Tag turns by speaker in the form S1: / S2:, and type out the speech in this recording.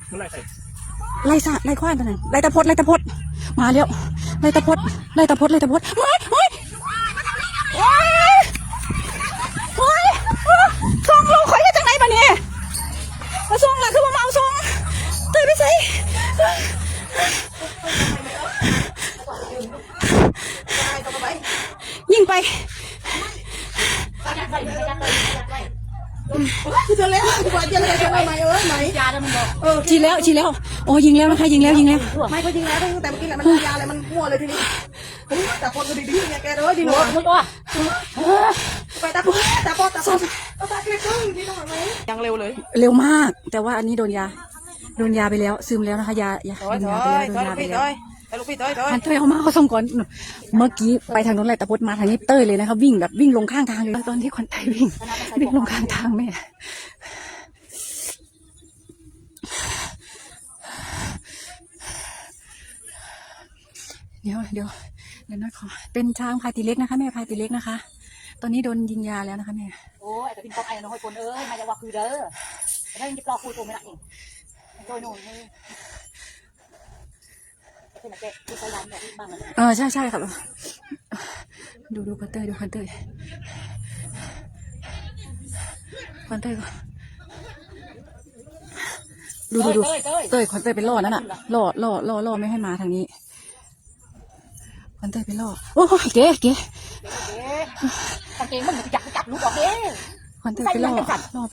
S1: ไล่ซะไล่ควานตัวนั้นไล่ตะพดมาแล้วไล่ตะพดโอ้ยส่งลงคอยจังไหนบ้านี่มาส่งล่ะคือมาเอาส่งเตยไปใส่ยิงไปจะแล้วจะไหมไหมยาแล้วมันบอกฉีดแล้วโอ้ยิงแล้วนะคะยิงแล้วไม่ก็ยิงแล้วแต่เมื่อกี้แหละมันยาอะไรมันมั่วเลยทีนี้แต่คนก็ดีๆเนี่ยแกเลยดีหนูไปตาปอตาเกล็ดนี่น้องไหมยังเร็วเลยเร็วมากแต่ว่าอันนี้โดนยาไปแล้วซึมแล้วนะคะยาไปแล้วลูกพี่เต้ยเต้ยเอามาเขาส่งก่อนเมื่อกี้ไปทางโน้นแหละแต่พดมาทางนี้เต้ยเลยนะคะวิ่งลงข้างทางเลยตอนที่คนไทยวิ่งลงข้างทางแม่เดี๋ยวน้อยขอเป็นช้างพายตีเล็กนะคะแม่พายตีเล็กนะคะตอนนี้โดนยิงยาแล้วนะคะแม่
S2: โอ้ยแต่เป็นป๊อกไอ้น้อยคนมาจะว่าคือเด้อแล้วยังจะปลอกคุยตัวไม่ได้เองโดยโน่น
S1: ใช่ครับดูคอนเต้ยคอนเต้ยดูเต้ยคอนเต้ยเป็นล่อนั่นน่ะล่อไม่ให้มาทางนี้คอนเต้ยเป็นล่อโอ้เก๋
S2: กางเกงมันจับลูกออกเด้
S1: คอนเต้ยเป็นล่อ